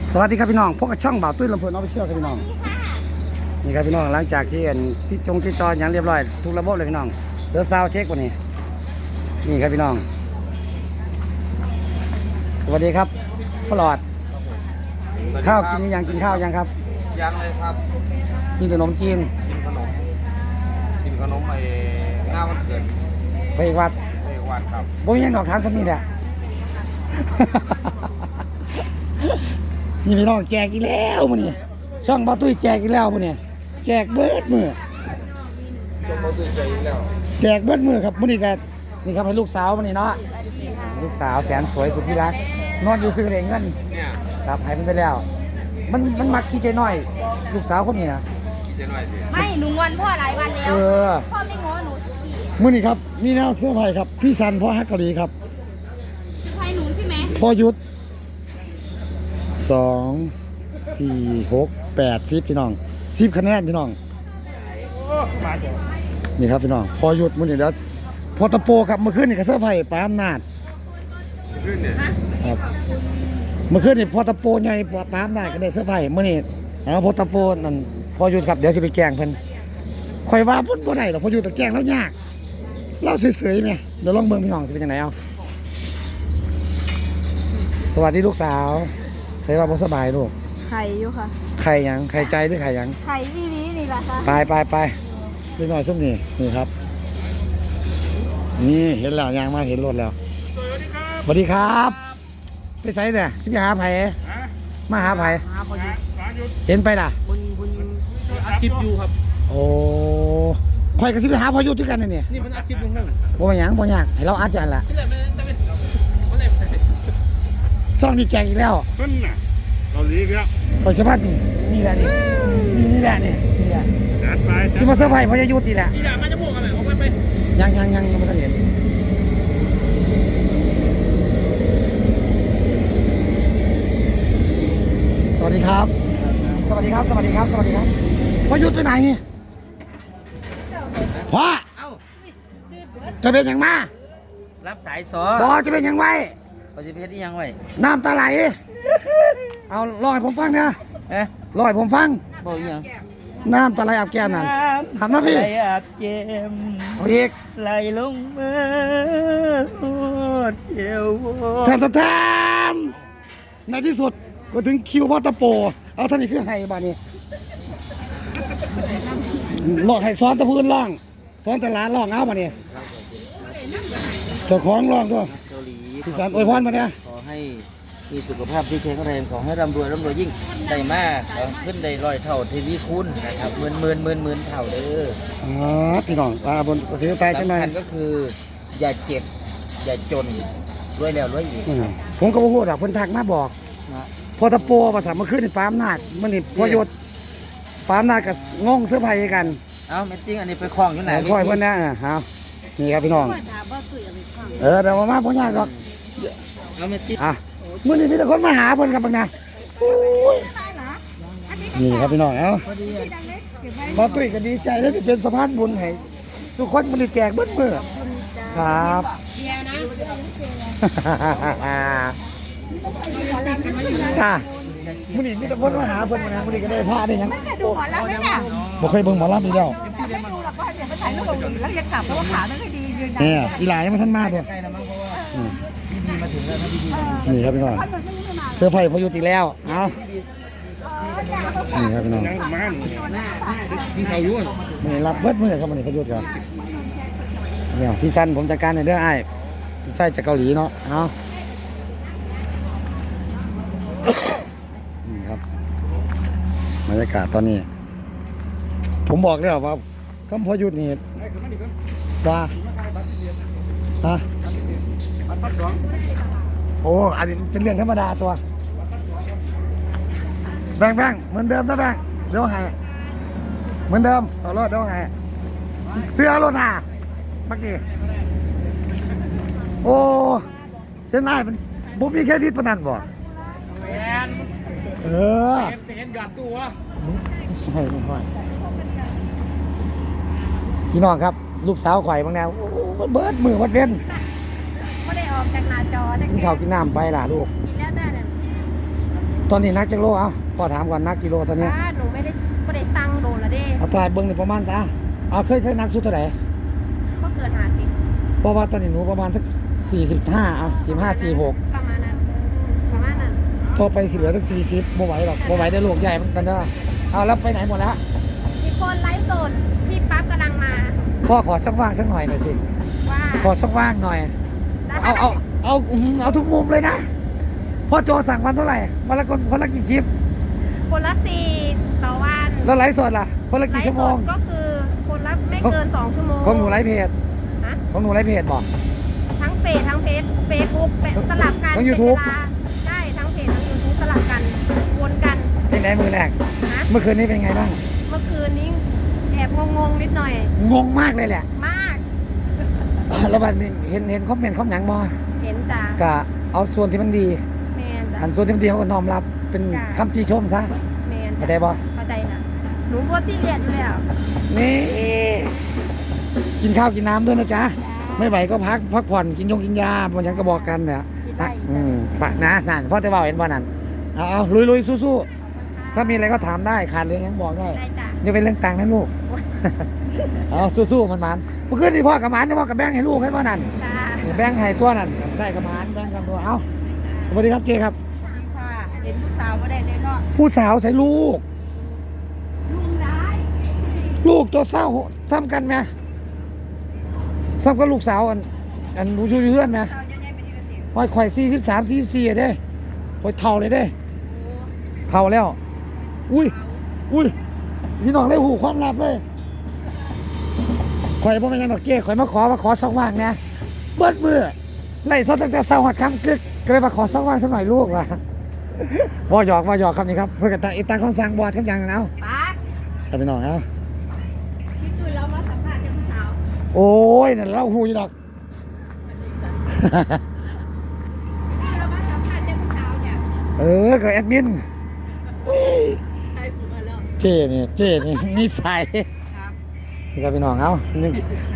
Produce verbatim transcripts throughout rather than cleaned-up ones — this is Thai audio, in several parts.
สวัสดีครับพี่น้องพวกกับช่องบ่าวตุ้ยลำเพลินเอาไปเชื่อครับพี่น้องนี่ครับพี่น้องหลังจากที่ที่จงที่จออย่างเรียบร้อยทุกระบบเลยพี่น้องเดี๋ยวซาวเช็ควันนี้นี่ครับพี่น้องสวัสดีครับพ่อหลอดข้าวกินยังกินข้าวยังครับยังเลยครับกินขนมจีนกินขนมกินขนมไอ้ง่าวันเกิดไปอีกวัดไปอีกวัดครับบ่มียังดอกทางสักนิดแหละนี่พี่น้องแจกอีกแล้วมื้อนี้ช่องบ่าวตุ้ยแจกอีกแล้วมื้อนี้แจกเบิดมื้อช่องบ่าวตุ้ยแจกอีกแล้วแจกเบิดมื้อครับมื้อนี้ก็นี่ครับให้ลูกสาวมื้อนี้เนาะลูกสาวแสนสวยสุดที่รักนอนอยู่ซื้อเงินเนี่ยครับให้มันไปแล้วมันมันมักขี้ใจน้อยลูกสาวคนนี้นะขี้ใจน้อยสิไม่หนูงอนพ่อหลายวันแล้วพ่อไม่ง้อหนูสักทีมื้อนี้ครับมีแนวเสื้อผ้าครับพี่ซันพ่อฮักกะหรี่ครับใช่หนูใช่ไหมพ่อยุทธสองสี่หกแปดสิบพี่น้องสิบคะแนนพี่น้องนี่ครับพี่น้องพอหยุดมื้อนี้แล้วพอตะโปครับเมื่อคืนนี่ก็เสื้อผ้าปาอำนาจขึ้นเนี่ยครับเมื่อคืนนี่พอตะโปใหญ่ปาอำนาจก็ได้เสื้อผ้ามื้อนี้เอาพอตะโปนั่นพอหยุดครับเดี๋ยวสิไปแกล้งเพิ่นข่อยว่าเพิ่นบ่ได้หรอกพอหยุดตะแกล้งแล้วยากเล่าเฉยๆแม่เดี๋ยวลองเบิ่งพี่น้องสิเป็นจังไดเอาสวัสดีลูกสาวใส่ว่าบ่สบายลูกไข่อยู่ค่ะไข่ยังไข่ใจหรือไข่ยังไข่ที่นี้นี่แหละค่ะไปไปไปดูหน่อยซุ่มนี่นี่ครับนี่เห็นแล้วยางมาเห็นรถแล้วสวัสดีครับไปใส่เนี่ยสิไปหาไผ่มาหาไผ่เห็นไปล่ะอัดคลิปอยู่ครับโอ้ข่อยกับสิไปหาพอยุทธด้วยกันนี่นี่มันอัดคลิปลงนั่นบ่มาหยังบ่ยากให้เราอัดจันล่ะซ่องนี่แจกอีกแล้วขึ้นน่ะเกาหลีอีกแล้วข่อยสะพัดนี่นี่แหละนี่นี่แหละนี่นี่แหละจัดไปสิมาเซอร์ไพรส์พอยุทธนี่แหละนี่แหละมันจะพูดกันไหนออกไปไปยังยังยังยังไม่ทันเห็นสวัสดีครับสวัสดีครับสวัสดีครับสวัสดีครับพอยุทธไปไหนพ่อจะเป็นยังมารับสายสอบอจะเป็นยังไงเขาจะเพชรที่ยังไงน้ำตาไหลเอาลอยผมฟังนะเอ๊ะลอยผมฟังบอกยังน้ำตาไหลอาบแก้มนั่นหันมาพี่ไหลอาบเจมเอาอีกไหลลงมาเจียวแทนแทนในที่สุดก็ถึงคิวพ่อตะโปเอาท่านี้คือไห้บ้านี้ลอกให้ซ้อนตะพื้นล่องซ้อนแต่ล้านล่องเอาบ้านี้เจ้าของล่องด้วยเกาหลีพี่สันอวยพรมาเนี่ยขอให้มีสุขภาพที่แข็งแรงขอให้ร่ำรวยร่ำรวยยิ่งได้มากขึ้นได้ร้อยเท่าทวีคูณนะครับหมื่นหมื่นหมื่นหมื่นเท่าเด้ออ๋อพี่น้องตาบนประเทศไทยจังไหนสำคัญก็คืออย่าเจ็บอย่าจนรวยแล้วรวยอีกผมก็บอกว่าเพิ่นทักมาบอกพอตะโปภาษาเมื่อคืนนี่ปามนาดมันนี่พอหยุดปามนาดกับงงเสื้อผ้ากันเอ้าเมตติ้งอันนี้ไปคล้องอยู่ไหนคอยเพื่อนนะฮะนี่ครับพี่น้องเออเดี๋ยวมาพ่อยากหรอกเอาเมตติ้งอ่ะเมื่อนี้พี่ตะคนมาหาเพื่อนกับปังนะนี่ครับพี่น้องเอ้ามาตุ้ยก็ดีใจแล้วที่เป็นสะพานบุญให้ทุกคนมันได้แจกเบิ้ลมือครับค่ะมื่อนี้มีแต่คนมาหาเพื่อนมามื่อนี้ก็ได้ผ้าได้ยังดูหมอลำไหมเนี่ยบ่เคยเบิ่งหมอลำอีกแล้วไม่ดูหรอกก็เดี๋ยวไปถ่ายรูปแล้วจะกลับเพราะว่าขาไม่ค่อยดียืนเนี่ยอีหลายยังไม่ทันมาเลยนี่ครับพี่น้องเสื้อไผ่พยุติแล้วเอานี่ครับพี่น้องกินข้าวยุ่งนี่รับเบิดมือครับมันนี่พยุติครับเนี่ยพี่ซันผมจัดการในเรื่องไอ้พี่ไส้จากเกาหลีเนาะเอานี่ครับบรรยากาศตอนนี้ผมบอกแล้วว่าคำพอหยุดนี่ว่าฮะโอ้อันนี้เป็นเรื่องธรรมดาตัวแบงแบงเหมือนเดิมนะแบงเดี๋ยวให้เหมือนเดิมต่อรถเดี๋ยวให้เสื้อรถหนาเมื่อกี้โอ้เห็นไอ้เป็นบุมีแค่ทิศปนันบ่เออเห็นหยอดตัวใช่ไม่ค่อยพี่น้องครับลูกสาวข่อยบางแนวเบิร์ดมือวัดเว้นไม่ได้ออกจากหน้าจอกินข้าวกินน้ำไปล่ะลูกกินแล้วได้เนี่ยตอนนี้นักจักโลเอ้าพ่อถามก่อนนักกิโลตอนนี้ป้าหนูไม่ได้ไม่ได้ตังค์โดนละเด้เอาตายเบิ้งนี่ประมาณจ้าเอาเคยเคยนักสุดเท่าไหร่ก็เกินหาสิบเพราะว่าตอนนี้หนูประมาณสักสี่สิบห้าอ่ะสี่ห้าสี่หกประมาณนั้นประมาณนั้นต่อไปสิเหลือสักสี่สิบบ่ไหวหรอกบ่ไหวได้ลูกใหญ่เหมือนกันเด้อเอาแล้วไปไหนหมดแล้วมีคนไลฟ์สดพี่ปั๊บกำลังมาพ่อขอช่องว่างสักหน่อยหน่อยสิว่าขอช่องว่างหน่อย เอาเอาเอาอื้อหือเอาทุกมุมเลยนะพ่อโจสั่งวันเท่าไหร่วันละคนคนละกี่คลิปคนละสี่ต่อวันแล้วไลฟ์สดล่ะคนละไลกี่ฟ์ชั่วสโมงดก็คือคนละไม่เกินสองชั่วโมงของหนูไลฟ์เพจนะของหนูไลฟ์เพจบอกทั้งเฟซทั้งเฟซเฟซบุ๊กสลับกันทั้งเป็น YouTube เวลาใช่ทั้งเพจทั้งยูทูบสลับกันวนกันเป็นไหนมือแรกนะเมื่อคืนนี้เป็นไงบ้างเมื่อคืนนี้แอบงงๆนิดหน่อยงงมากเลยแหละมากแล้วบัดนี้เห็นเห็นคอมเมนต์คอมหยังบ่เห็นจ้ะก็เอาส่วนที่มันดีแมนจ้ะอันส่วนที่มันดีเขาก็น้อมรับเป็นจ้ะคำติชมซะแมนเข้าใจจ้ะบ่เข้าใจนะหนูบัวที่เรียนอยู่แล้วนี่กินข้าวกินน้ำด้วยนะจ๊ะไม่ไหวก็พักพักผ่อนกินยงกินยาบนยังก็บอกกันเนี่ยกินได้อืมปะนะนั่นพ่อจะบอกเห็นบ่นั่นเอาเอาลุยลุยสู้ๆถ้ามีอะไรก็ถามได้ขาดเรื่องยังบอกได้ได้จ้ะอย่าเป็นเรื่องตังค์นะลูก เอาสู้ๆมันมันเมื่อคืนที่พ่อกับหมันเนี่ยพ่อกับแบงค์ให้ลูกให้พ่อนั่นจ้าแบงค์ให้ตัวนั่นได้กับหมันแบงค์กับตัวเอาสวัสดีครับเจครับค่ะเห็นผู้สาวก็ได้เลยเนาะผู้สาวใส่ลูกลุงร้ายลูกตัวเศร้าซ้ำกันไหมซ้ำกับลูกสาวอันอันรู้ชูเพื่อนไหมสาวใหญ่ๆเป็นอีกระเตียงห้อยไข่สี่สิบสามสี่สิบสี่เด้ห้อยเท่าเลยเด้เท่าแล้ว อุ้ยอุ้ยพี่น้องได้หูความลับเลยข่อยพ่อแม่ยังดอกเก้ข่อยมาขอมาขอช่องว่างนะเบิดมือไล่ซดตั้งแต่เช้าหัดคำกึกก็เลยมาขอช่องว่างสักหน่อยลูกว่ะบ่หยอกบ่หยอกครับนี่ครับเพื่อนกันตาอีตาเขาสั่งบอดคำยังนะเอาป้าครับพี่น้องเอาพี่ตุ้ยเรามาสัมภาษณ์เจ้าผู้สาวโอ้ยนั่นเล่าหูยดอกพี่เรามาสัมภาษณ์เจ้าผู้สาวเนี่ยเออกับแอดมินใช่ผมมาแล้วเจ้นี่เจ้นี่นิสัยครับนี่ครับพี่น้องเอานี่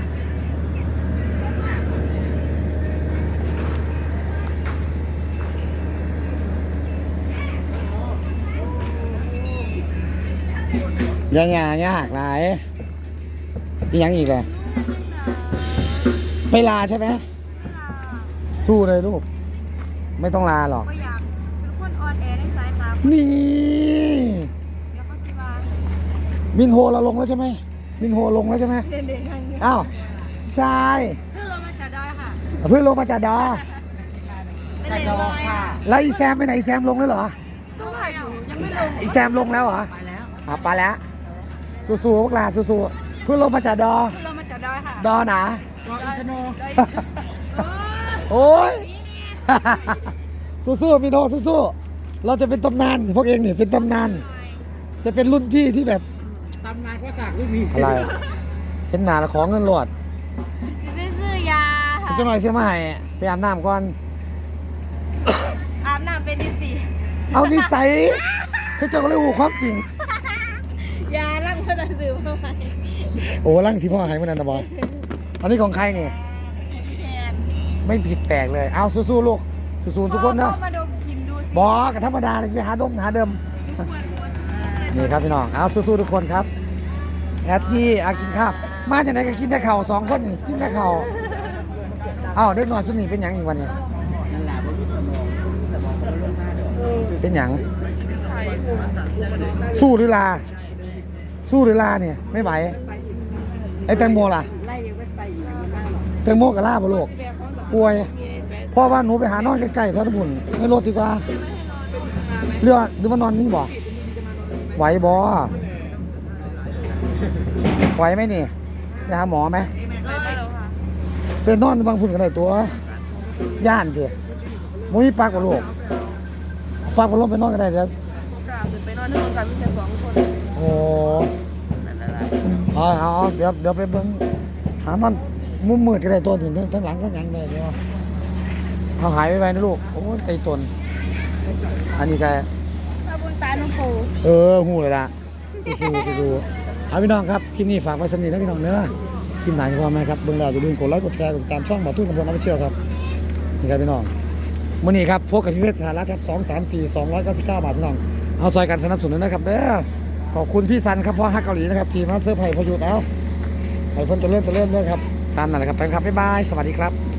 ยากยากยากหลายอีกอย่างอีกเลยไม่ลาใช่ไหมสู้เลยลูก ไม่ต้องลาหรอกก็อยากเป็นคนออนแอร์ในสายตานี่เดี๋ยวก็สิว่ามินโฮเราลงแล้วใช่ไหมมินโฮลงแล้วใช่ไหมเด่นๆกันอยู่อ้าวใช่เพื่อเรามาจากดอยค่ะเพื่อนลงมาจากดอเป็นเลนดอยค่ะแล้วอีแซมไปไหนอีแซมลงแล้วเหรอก็ถ่ายอยู่ยังไม่ลงอีแซมลงแล้วเหรอไปแล้วอ่ะไปแล้วสู้ๆพวกหลานสู้ๆเพื่อนลงมาจากดอเพื่อเรามาจากดอยค่ะดอหนาดอยอินทนนท์เออโอ้ย สู้ๆพี่โนสู้ๆเราจะเป็นตำนานพวกเองเนี่ยเป็นตำนาน จะเป็นรุ่นพี่ที่แบบตำนานก็สากลูกมีอะไรเห็นหนาแล้วของเงินหลอดไม่ซื้อยาค่ะจะหน่อยเสียมาให้ไปอาบน้ำก่อนอาบน้ำเป็นนิสิเอานิสัยเขาเจ้าก็เลยหูความจริงยาลังพนันซื้อมาใหม่โอ้ร่างที่พ่อให้เมื่อนั้นนะบอยอันนี้ของใครเนี่ยพี่แพนไม่ผิดแปลกเลย เอาสู้ๆลูกสู้ๆทุกคนนะมาดมกินดูสิบอกกับธรรมดาเลยไปหาดมหาเดิม นี่ครับพี่น้อง เอาสู้ๆทุกคนครับแอดดี้อากินข้าว มาจากไหนก็กินแต่เข่าวสองคนนี่ กินแต่เข่าวอ้าวเด็กน้อยสุดนี่เป็นหยังอีกวันนี้นั่นแหละว่ามีสมองสมองมันลงมาเดี๋ยวเป็นหยัง สู้หรือลา สู้หรือลาเนี่ย ไม่ไหว ไอ้แตงโมล่ะไล่ยังไม่ไปอยู่ยังไม่นั่งหรอกแตงโมกับลาบ่ลูกป่วยพ่อว่าหนูไปหานอนใกล้ๆท่านบุญในรถดีกว่าเรือหรือว่านอนนี่บ่ไหวบ่ไหวไหมนี่ไปหาหมอไหมได้แล้วค่ะเป็นนอนบางพุ่นกันได้ตัว ย่านเถอะมุ้ยปักกับลูกปักกับลมไปนอนกันได้เดี๋ยวจ้าไปนอนที่โรงแรมมีแค่สองคนโอ้เอาเอาเอาเดี๋ยวเดี๋ยวไปเบิ่งหามันมุมมืดกันได้ตัวถึงทั้งหลังทั้งหลังเลยเดี๋ยวเอาหายไปไปนะลูกโอ้ยไอ้ตนอันนี้แกพระบุญตาหลวงปู่เออหูเลยล่ะดูดูดูเอาพี่น้องครับคลิปนี้ฝากไว้สำนีนะพี่น้องเนื้อคลิปไหนจะพอไหมครับเบิ่งแล้วอย่าลืมกดไลค์กดแชร์กดติดตามช่องหมอตุ้นกำพลน้ำเชี่ยวครับนี่ครับพี่น้องมื่อนี้ครับพวกกับพิเศษสาระครับสองสามสี่สองร้อยเก้าสิบเก้าบาทพี่น้องเอาซอยกันสนับสนุนนะครับเด้อขอบคุณพี่ซันครับพ่อฮักเกาหลีนะครับทีมมาสเตอร์ไผ่พยุทธ์เอาไผ่พ้นจะเลื่อนจะเลื่อนเลื่อนครับตามนั่นแหละครับแฟนครับบ๊ายบายสวัสดีครับ